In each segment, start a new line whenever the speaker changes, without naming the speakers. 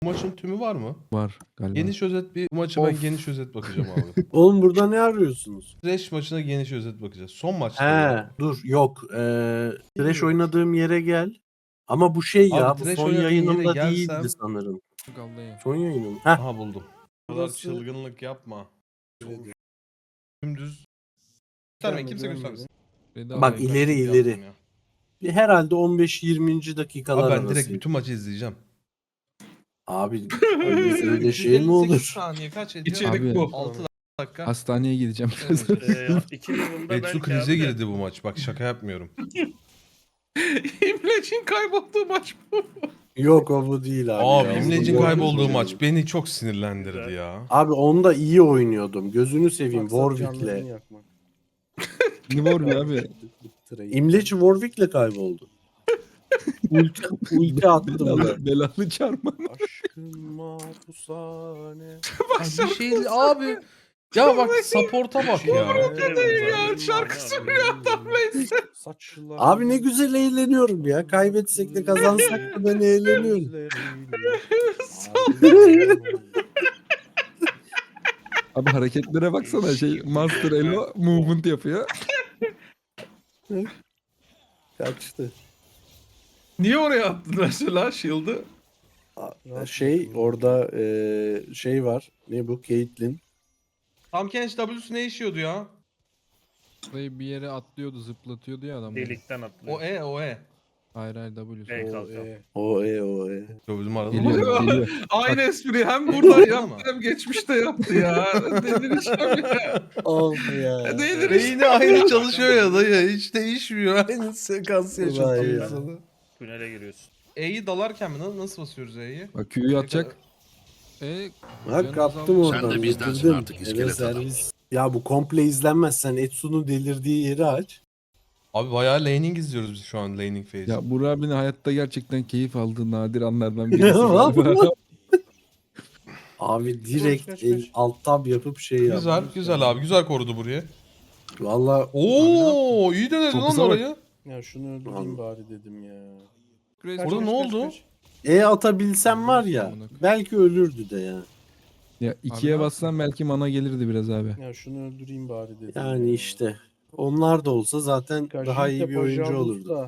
Bu maçın tümü var mı?
Var galiba.
Geniş özet bu maça ben geniş özet bakacağım abi.
Oğlum burada ne arıyorsunuz?
Thresh maçına geniş özet bakacağız. Son maçta
He
ya.
dur yok. Thresh oynadığım yere gel. Ama bu şey ya
Abi,
bu
Thresh
son
oynadığın yere
yayınımda
gelsem-
değildi sanırım.
Vallahi.
Son yayınım. Heh.
Aha buldum. Bu kadar
Burası-
çılgınlık yapma. Dümdüz. Göstermeyin kimse göstermesin.
Bak ileri ileri.
Yaptım ya.
Herhalde 15-20. dakikalar
Abi ben
arası.
direkt bütün maçı izleyeceğim.
Abi öyle şey mi
158
olur?
saniye kaç ediyor?
İçerik
Abi,
bu.
6 dakika.
Hastaneye gideceğim.
Evet.
2 yılında ben
Betsu krize girdi bu maç. Bak şaka yapmıyorum.
İmleç'in kaybolduğu maç bu.
Yok o bu değil abi.
Abi
ya.
İmlec'in
Onu
kaybolduğu
gördüm.
maç beni çok sinirlendirdi ya.
Abi onda iyi oynuyordum. Gözünü seveyim
Maksat
Warwick'le.
canlarını yakmak.
Ne var be abi?
İmleci Warwick'le kayboldu. ulti attım ben.
Belalı çarpma.
Aşkın mahpushane.
Bir şey abi. Ya bak support'a bak ya.
ya, şarkı söylüyor adam neyse.
Saçlar.
Abi ne güzel eğleniyorum ya. Kaybetsek de kazansak da ben eğleniyorum.
Abi hareketlere baksana şey Master Elo movement yapıyor.
Kaçtı.
Niye oraya attın mesela Shield'ı?
Şey orada şey var. Ne bu? Caitlyn.
Tam Kench W'su ne işiyordu ya?
Burayı bir yere atlıyordu zıplatıyordu ya adam.
Delikten atlıyor.
O E.
Hayır hayır W.
Bey
O,
kalkan.
O.
Yo bizim arada
Geliyor geliyor.
Aynı espri hem burada
Bak-
yaptı hem geçmişte yaptı ya. Delireceğim ya.
Of ya.
Beyni aynı çalışıyor ya dayı. Hiç değişmiyor. Aynı sekansı
Vay
yaşatıyor
ya.
sana.
Tünele giriyorsun.
E'yi dalarken mi? Nasıl basıyoruz E'yi?
Bak Q'yu atacak.
Bak kaptım oradan.
Sen de bizdensin
bitirdim.
artık,
Eve
iskelet adam.
servis. Ya bu komple izlenmez. Sen Etsu'nun delirdiği yeri aç.
Abi bayağı laning izliyoruz biz şu an laning phase.
Ya Burak abinin hayatta gerçekten keyif aldığı nadir anlardan birisi.
Vallahi.
galiba.
Abi direkt
Kaç.
alt tab yapıp şey yap.
Güzel, güzel abi. Güzel korudu burayı.
Valla
Oo, iyi denedin
Çok
lan
güzel bak.
orayı.
Ya şunu öldüreyim bari dedim ya.
Orada ne oldu?
atabilsem var ya belki ölürdü de ya.
Ya ikiye
Abi,
bassan belki mana gelirdi biraz abi.
Ya şunu öldüreyim bari dedim.
Yani
ya.
işte. Onlar da olsa zaten daha iyi bir oyuncu olurdu.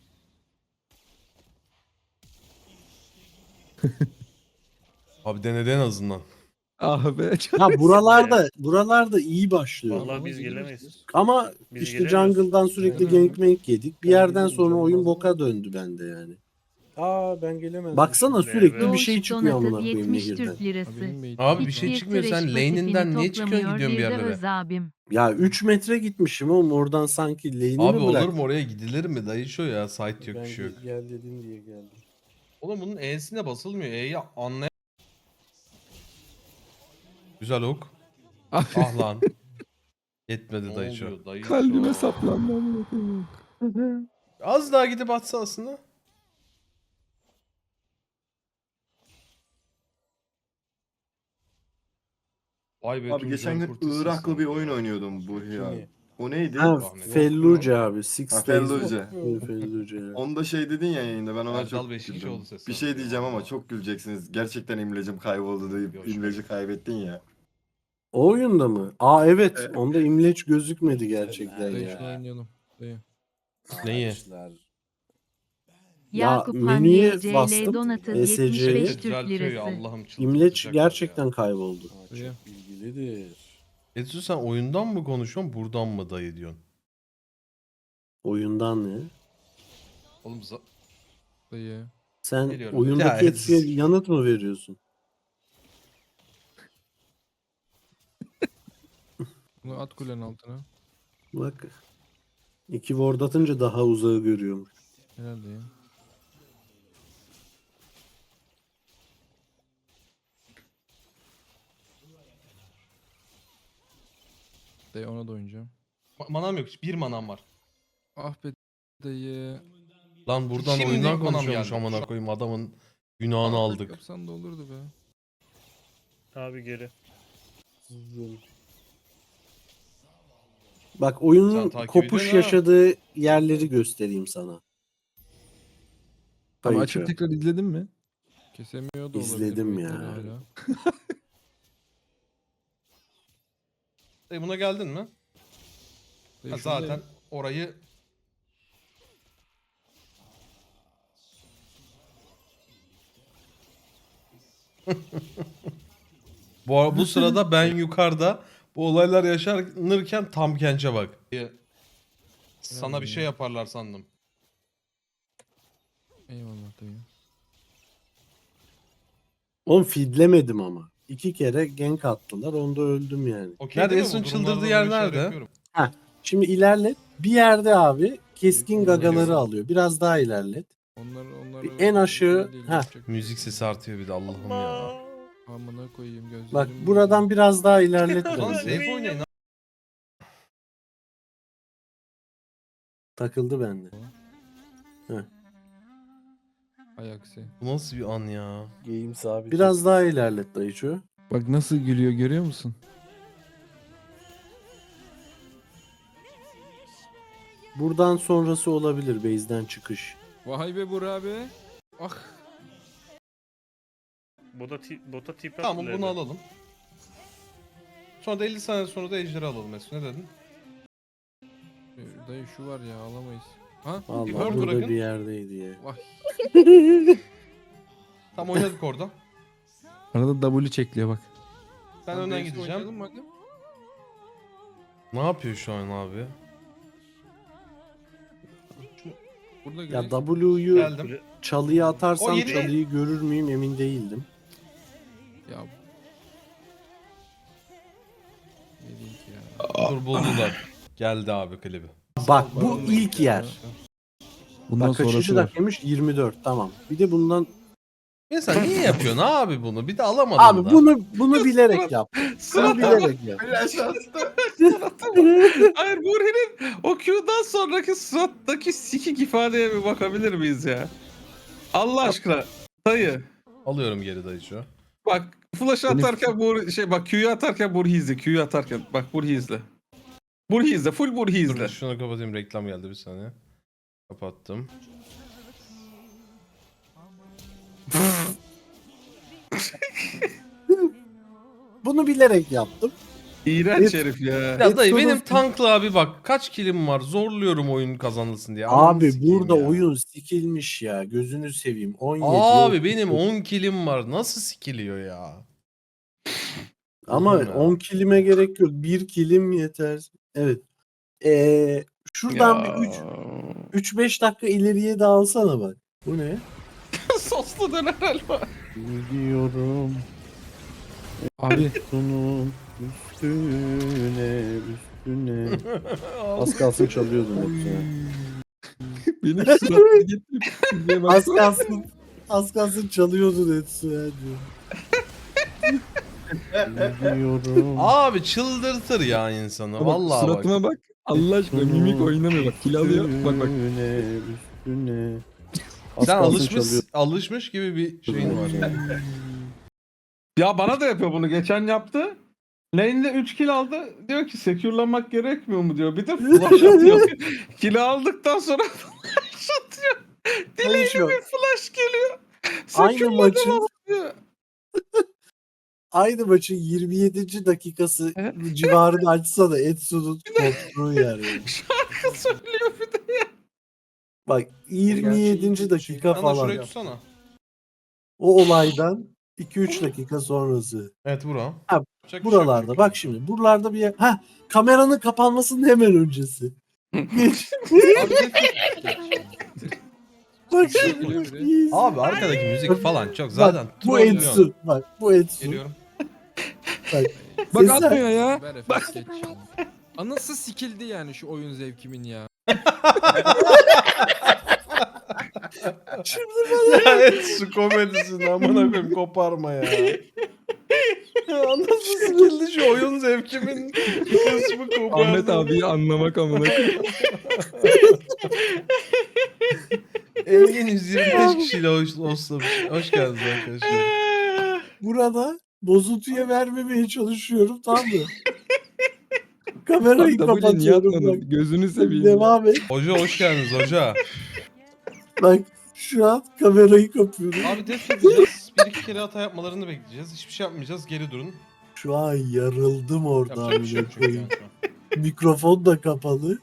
Abi denedi en azından.
Ah be.
Ha buralarda iyi başlıyor.
Vallahi biz gelemeyiz.
Ama
Biz
işte
gelemiyoruz.
jungle'dan sürekli
Gelemiyorum.
gank yedik. Bir
Ben
yerden
gelirim,
sonra
canım
oyun
lazım.
boka döndü bende yani.
Ben gelemezdim.
Baksana
şimdi.
sürekli
Evet.
bir şey çıkıyor amına
Donatı
koyayım
70
nehirden.
Türk lirası.
Abi bir
Hiçbir
şey çıkmıyor. Sen
trash
lane'inden
pasifini
niye çıkıyorsun
toplamıyor
gidiyorsun bir
de
yerlere?
Öz abim.
Ya 3 metre gitmişim oğlum oradan sanki lane'imi
Abi
bırak.
olur mu oraya gidilir mi? Dayı şu ya. Site yok bir şey yok.
Gel dedin diye geldim.
Oğlum bunun E'sine basılmıyor. E'yi anlay... Güzel hook. Ah lan. Yetmedi dayı şu.
Kalbime saplandı amına koyayım.
Az daha gidip atsa aslında. Vay be.
Abi geçen gün Irak'la bir oyun oynuyordum bu ya.
Kimi?
O neydi?
Ha,
Rahmet.
Felluce abi. Six
Ha,
Days.
Felluce.
Felluce. evet.
Onda şey dedin ya yayında ben ona
Erdal
çok
beşinci
güldüm.
oldu sesi.
Bir şey diyeceğim ama çok güleceksiniz. Gerçekten imlecim kayboldu deyip
Yok,
imleci kaybettin ya.
O oyunda mı? Aa evet.
Evet.
Onda imleç gözükmedi gerçekten
Dayı şunu
ya.
oynayalım. Dayı.
Neyi?
Ya,
Yakup
menüye
Hamiye CL
bastım,
Donatı
ESC 'yi.
75 Türk
Düzeltiyor ya,
lirası.
Allah'ım çıldırtacaklar
İmleç
ya.
gerçekten kayboldu.
Dayı.
Çok bilgilidir.
Etsu sen oyundan mı konuşuyorsun buradan mı dayı diyorsun?
Oyundan ne?
Oğlum
Dayı.
Sen
Geliyorum.
oyundaki
Ya,
etkiye yanıt mı veriyorsun?
Bunu at kulenin altına.
Bak. 2 ward atınca daha uzağı görüyormuş.
Herhalde ya. Dayı ona da oynayacağım.
manam yok. Bir manam var.
Ah be dayı.
Lan buradan Şimdi oyundan manam konuşuyormuş geldi. amına koyayım adamın günahını aldık.
Yapsan da olurdu be.
Abi geri.
Bak oyunun
Sen takip
kopuş
ediyorsun ha.
yaşadığı yerleri göstereyim sana.
Ama
Kayıcı.
açıp tekrar izledin mi? Kesemiyor da olabilir.
İzledim
belki
ya.
hala.
Buna geldin mi? Ha,
Şuradayım.
zaten orayı bu sırada ben yukarıda bu olaylar yaşanırken tam Kenç'e bak. Sana bir şey yaparlar sandım.
Eyvallah dayı.
Oğlum feedlemedim ama. 2 kere gank attılar. Onda öldüm yani.
Okey Nerede değil mi? en son Bu durumlarda
şey
şey
şey
böyle
şey
şeyler nerede? yapıyorum.
Şimdi ilerlet. Bir yerde abi keskin gagaları
Geliyorum.
alıyor. Biraz daha ilerlet.
Onlar
En aşağı-
şey değil,
Heh.
yapacak bir şey
Müzik
yok.
sesi artıyor bir de Allah'ım ya.
Amına koyayım gözlerim.
Bak buradan biraz daha ilerlet.
Lan
bence.
safe oynayın.
Takıldı bende.
Ay aksi.
Bu nasıl bir an ya?
Game sabit.
Biraz daha ilerlet dayıcı.
Bak nasıl gülüyor görüyor musun?
Buradan sonrası olabilir base'den çıkış.
Vay be Burak abi. Ah.
Bota tip
Tamam bunu alalım. Sonra da 50 saniye sonra da ejderi alalım Mesut. Ne dedin?
Dayı şu var ya alamayız. Ha?
Vallahi
Bir
burada
bırakın.
bir yerdeydi ya.
Vay.
Tam oynadık orada.
Arada W çekliyor bak.
Ben
Lan
önden
Dave'si
gideceğim.
oynayalım mı bakayım?
Ne yapıyor şu an abi?
Burada
Ya
göreyim.
W'yu
Geldim.
çalıya atarsam
O yeni-
çalıyı görür müyüm emin değildim.
Ya. Ne diyeyim ki ya.
Dur buldular. Geldi abi klibi.
Bak bu ilk yer.
Bundan
Bak kaçıncı
sonrası var.
dakikaymış? 24 tamam. Bir de bundan
Mesela niye yapıyorsun abi bunu? Bir de alamadın
abi
da.
bunu bilerek yap. Bunu bilerek yap.
Flash attı.
Hayır Burhi'nin o Q'dan sonraki surattaki sikik ifadeye bir bakabilir miyiz ya? Allah aşkına. Dayı.
Alıyorum geri dayıcı.
Bak flash atarken bak Q'yu atarken Burhi izle. Q'yu atarken bak Burhi izle. Burhi izle. Full Burhi
Dur
izle.
şunu kapatayım, reklam geldi bir saniye. Kapattım.
Bunu bilerek yaptım.
İğrenç
Evet.
herif ya.
Ya dayı benim
Exodus-
tankla abi bak kaç kilim var, zorluyorum oyun kazanılsın diye. Ananı
Abi
sikeyim
burada
ya.
oyun sikilmiş ya. Gözünü seveyim. 17.
Abi
yok.
benim 10 kilim var, nasıl sikiliyor ya?
Ama
Allah'ım ya.
10 kilime gerek yok. 1 kilim yeter. Evet. Şuradan bir 3-5 dakika ileriye de alsana bak. Bu ne?
Soslu döner helva.
Gidiyorum
Abi
bunun üstüne. Az kalsın çalıyordun hepsine.
benim suratımı getirip izleye
Az
baksana.
kalsın. Az kalsın çalıyordun hepsine diyor. Gidiyorum.
Abi çıldırtır ya insanı.
Bak,
Vallahi bak.
suratıma bak. Allah aşkına mimik oynamıyor bak. Kil alıyor. Bak bak.
Üstüne. Az
Sen
kalsın çalıyordun.
alışmış gibi bir şeyin var.
Ya bana da yapıyor bunu. Geçen yaptı. Lane'de 3 kill aldı. Diyor ki secure'lamak gerekmiyor mu diyor. Bir de flash atıyor. Kill'i aldıktan sonra flash atıyor. Dileğine
Konuşuyor.
bir flash geliyor.
Aynı
Secure'ladım
maçın
ama diyor.
Aynı maçın 27. dakikası
Evet.
civarını açsa da Etsu'nun koptuğu yer yani.
Şarkı söylüyor bir de.
Bak 27. dakika
Ana
falan.
şurayı tutsana.
O olaydan 2-3 dakika sonrası.
Evet bura.
Ha,
Yapacak bir şey yok
Buralarda
çünkü.
bak şimdi buralarda bir yer. Ha kameranın kapanmasının hemen öncesi. Geç. Bak
Geliyor biri.
şimdi.
Abi arkadaki müzik falan çok zaten
Bak, bu
trollüyorsun.
Etsu. Bak bu Etsu.
Geliyorum.
Bak,
Bak
sesler-
atmıyor ya. Ver efendim geç. Anası sikildi yani şu oyun zevkimin ya.
Ya et su komedisini amına koyayım koparma ya. Nasıl sikildi şu oyun zevkimin kısmı kopardı.
Ahmet abiyi anlamak amına koyayım.
Engin 125 kişiyle hostlamış. Hoş geldiniz arkadaşlar.
Burada bozuntuya vermemeye çalışıyorum tamam mı? Kamerayı
Abi W niye
kapatıyorum bak.
atmadın? Gözünü seveyim. ya.
Devam et.
Hoca hoş geldiniz hoca.
Bak şu an kamerayı kapıyorum.
Abi def edeceğiz. bir iki kere hata yapmalarını bekleyeceğiz. Hiçbir şey yapmayacağız. Geri durun.
Şu an yarıldım orada.
Yapacak bir şey yok çünkü
amına
yani
koyayım.
şu an.
Mikrofon da kapalı.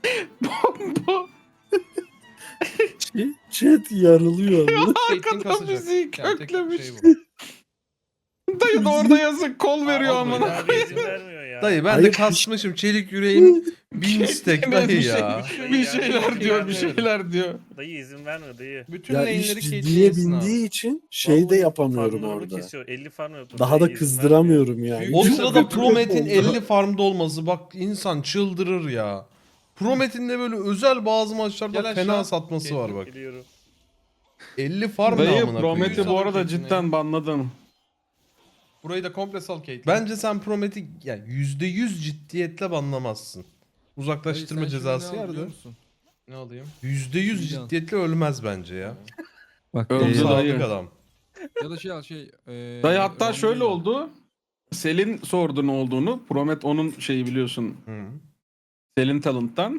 Chat yarılıyor. amına.
Caitlyn kasacak.
müziği
Yani tek
köklemiş.
şey bu.
Dayı da orada yazık kol veriyor
Aa,
amına.
Abi izin vermiyor ya.
Dayı ben
Hayır,
de kasmışım. Çelik yüreğim 1000 stack dayı
Bir
ya.
Bir şeyler diyor, bir şeyler diyor.
Dayı izin vermiyor dayı.
Bütün
Ya
lane'leri
iş
Caitlyn'e
ciddiye
yesin abi.
bindiği için şey de
Vallahi
yapamıyorum
farmlarımı
orada.
Kesiyor. 50 farm yapıyor.
Daha da
Dayı izin
kızdıramıyorum yani.
O
Çok
sırada
kötü
Promet'in
oldu.
50 farmda olması bak insan çıldırır ya. Promet'in de böyle özel bazı maçlarda
Gel
fena
aşağı.
satması var bak.
Geliyorum.
50 farm
Dayı
namına
Promet'i
koyuyor.
bu arada cidden banladım.
Burayı da komple sal Caitlyn. Bence sen Promet'i yani %100 ciddiyetle banlamazsın. Uzaklaştırma cezası yerde. Ne alayım? %100
Milyon.
ciddiyetle ölmez bence ya.
Bak
Öldü
Çok
dayı.
sadık adam.
ya da
Dayı hatta
Ron
şöyle
değil.
oldu. Selin sordu ne olduğunu. Promet onun şeyi biliyorsun.
Hı.
Selin Talent'tan.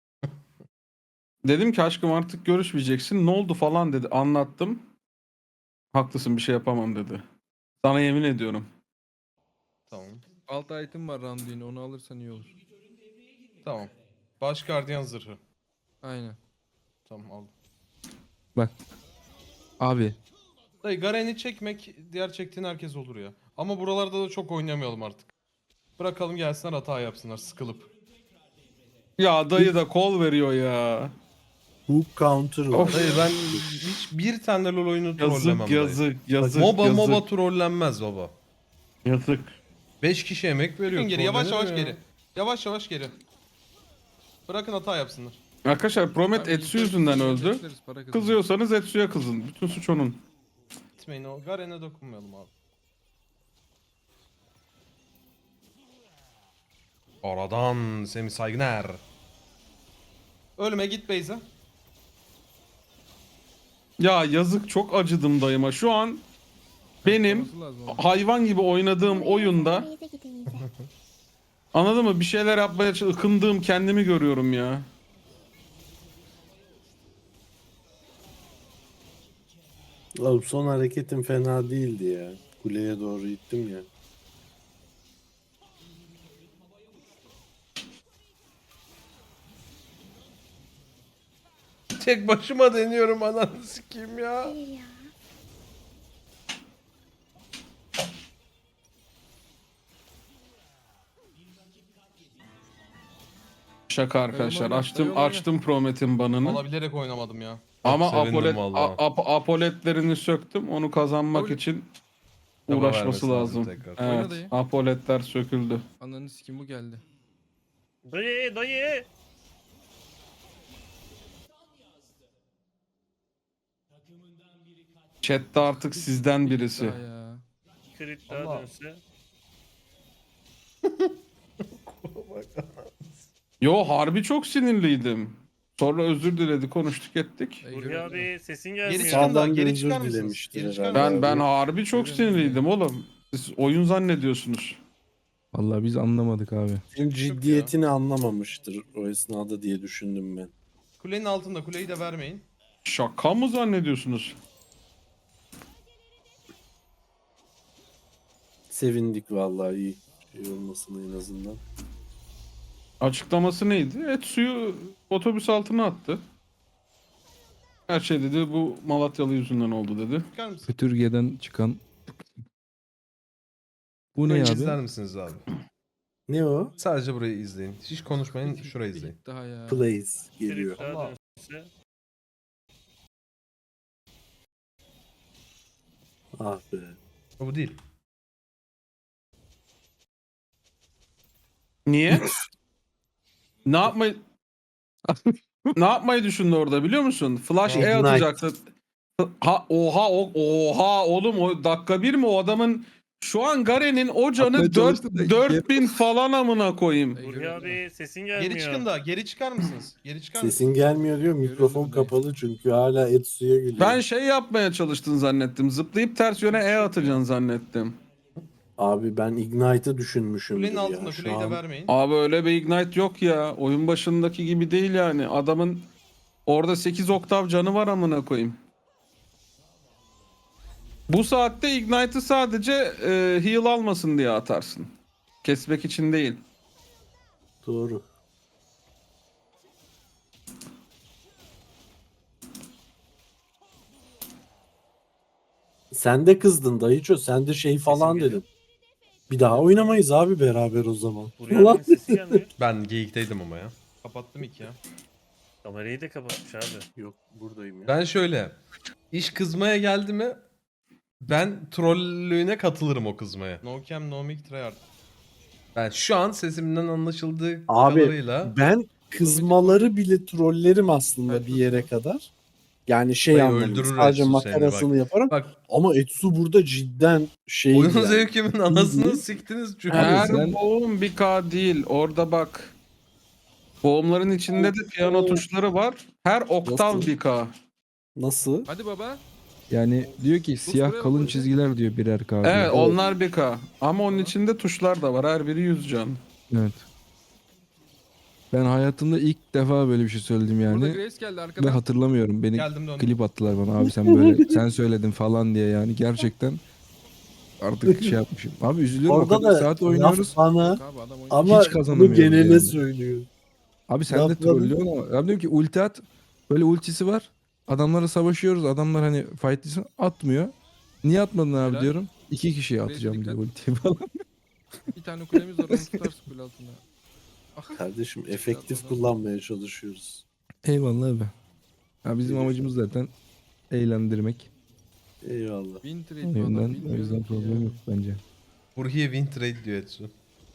Dedim ki aşkım artık görüşmeyeceksin. Ne oldu falan dedi. Anlattım. Haklısın bir şey yapamam dedi. Sana yemin ediyorum.
Tamam.
Alt item var Randuin'in, onu alırsan iyi olur.
Tamam. Baş gardiyan zırhı.
Aynen.
Tamam aldım.
Abi
Dayı Garen'i çekmek diğer çektiğin herkes olur ya. Ama buralarda da çok oynamayalım artık. Bırakalım gelsinler hata yapsınlar sıkılıp.
Ya dayı da kol veriyor ya.
Hook counter var.
Of.
Dayı ben hiç bir tane LoL oyunu trollemem
Yazık
dayı.
yazık yazık.
MOBA
yazık.
MOBA trollenmez baba.
Yazık.
5 kişi emek veriyor.
Geri yavaş
trollenir
yavaş
ya.
geri. Yavaş yavaş geri. Bırakın hata yapsınlar.
Arkadaşlar Promet
abi,
Etsu yüzünden öldü.
bekleriz, para kazanırız.
Kızıyorsanız Etsu'ya kızın. Bütün suç onun.
Gitmeyin o Garen'e dokunmayalım abi. Aradan Semih Saygıner. Ölme git Beyza.
Ya yazık çok acıdım dayıma. Şu an benim
Olması lazım abi.
hayvan gibi oynadığım oyunda anladın mı? Bir şeyler yapmaya ıkındığım kendimi görüyorum ya.
Oğlum son hareketim fena değildi ya. Kuleye doğru gittim ya.
Tek başıma deniyorum ananı sikeyim ya.
Şaka arkadaşlar.
Oyna,
Açtım
oyna.
açtım Promet'in banını.
Valla bilerek oynamadım ya.
Ama
sevindim vallahi.
apoletlerini söktüm. Onu kazanmak
Oyna.
için
Çaba
uğraşması
vermesi lazım
lazım.
tekrar.
Oyna
Evet.
dayı.
Apoletler söküldü.
Ananı sikim bu geldi.
Dayı dayı.
Chat'te artık sizden birisi.
Daha ya.
Crit
Allah.
daha dönse.
Yo harbi çok sinirliydim. Sonra özür diledi, konuştuk ettik.
Dayı
Burhi
göremedim.
abi sesin
Geri
gelmiyor.
çıkın da
Sağdan bir
geri
özür
çıkar mısınız?
dilemiştir
Geri çıkar
herhalde.
mısınız?
Ben harbi çok
Göremedim
sinirliydim oğlum. Siz oyun zannediyorsunuz.
Vallahi biz anlamadık abi.
Senin ciddiyetini anlamamıştır o esnada diye düşündüm ben.
Kulenin altında kuleyi de vermeyin.
Şaka mı zannediyorsunuz?
Sevindik vallahi iyi şey olmasına en azından.
Açıklaması neydi? Etsu'yu otobüs altına attı. Her şey dedi bu Malatyalı yüzünden oldu dedi.
Çıkar mısın?
Fütürge'den çıkan. Bu ne
Burayı
abi?
izler misiniz abi?
Ne o?
Sadece burayı izleyin. Hiç konuşmayın şurayı izleyin.
Daha ya.
Plays geliyor.
Crit daha
Allah.
dönse.
Ah be.
Bu değil.
Niye? ne yapmayı ne yapmayı düşündü orada biliyor musun? Flash E
Ignite.
atacaktı. Oha oğlum o dakika bir mi o adamın şu an Garen'in o canı
Atmaya çalıştı da
4000 falan amına koyayım.
Dayı
Burhi
göremedim.
abi sesin gelmiyor.
Geri çıkın da geri çıkar mısınız? Geri çıkar mısınız?
Sesin gelmiyor diyor. Mikrofon
Göremedim dayı.
kapalı çünkü hala Etsu'ya gülüyor.
Ben şey yapmaya çalıştın zannettim. Zıplayıp ters yöne E atacaksın zannettim.
Abi ben Ignite'ı düşünmüşüm
Kulenin
ya.
altında
Şu
kuleyi de
an
vermeyin.
Abi öyle bir ignite yok ya. Oyun başındaki gibi değil yani. Adamın orada 8 oktav canı var amına koyayım. Bu saatte Ignite'ı sadece heal almasın diye atarsın. Kesmek için değil.
Doğru. Sen de kızdın dayıço. Sen de şey falan
geliyor.
dedin. Bir daha oynamayız abi beraber o zaman.
Buraya adamın sesi gelmiyor.
Ben geyikteydim ama ya.
Kapattım iki ya.
Kamerayı da kapatmış abi.
Yok buradayım ya.
Ben şöyle. İş kızmaya geldi mi ben trollüğüne katılırım o kızmaya.
No cam no mic tryhard.
Ben şu an sesimden anlaşıldığı
Abi,
kadarıyla
Ben kızmaları bile trollerim aslında bir yere kadar. Yani şey
Dayı
anlamında
öldürür
sadece
Etsu seni,
makarasını yaparım.
bak
Ama Etsu burada cidden şey
oyun
yani.
zevkimin anasını
Bildiğin-
siktiniz çünkü.
Her
sen-
boğum 1K değil. Orada bak. Boğumların içinde de piyano tuşları var. Her oktav
Nasıl?
1K.
Nasıl?
Hadi baba.
Yani diyor ki siyah
buraya
kalın
bak.
çizgiler diyor birer K. diyor.
Evet onlar 1K. Ama onun içinde tuşlar da var. Her biri 100 can.
Evet. Ben hayatımda ilk defa böyle bir şey söyledim
Burada
yani.
Grace geldi
Ve
arkadan.
hatırlamıyorum. Beni
Geldim döndüm.
klip attılar bana. Abi sen böyle sen söyledin falan diye yani. Gerçekten artık şey yapmışım. Abi üzülüyorum. O
Orada
kadar
da
saat oynuyoruz.
laf bana
Abi adam oynuyor.
ama
Hiç
bunu
kazanamıyoruz
genele
yani.
söylüyor.
Abi sen de
Lafladım.
trollüyorsun ama. Abi diyorum ki ulti at. Böyle ultisi var. Adamlara savaşıyoruz. Adamlar hani fightlısın atmıyor. Niye atmadın abi
Helal.
diyorum. 2 kişiye
Buraya
atacağım
dikkat.
diyor ultiyi falan.
Bir tane kulemiz var onu tutarsın kule altında. Ah.
Kardeşim efektif kullanmaya çalışıyoruz.
Eyvallah abi. Ya bizim amacımız zaten eğlendirmek.
Eyvallah.
Win trade
O
bu adam,
yüzden, o
bilmiyorum
yüzden
ki
problem
ya.
yok bence.
Burhiye win trade diyor Etsu.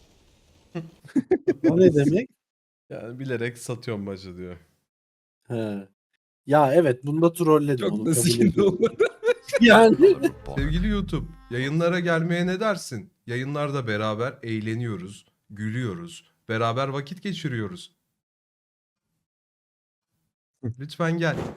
O ne demek?
Yani bilerek satıyorum maçı diyor.
He. Ya evet bunda trolledim onu
Çok da
kabul
sikindi
ediyorum.
olmadı.
Yani
Sevgili YouTube, yayınlara gelmeye ne dersin? Yayınlarda beraber eğleniyoruz, gülüyoruz, beraber vakit geçiriyoruz. Lütfen gel.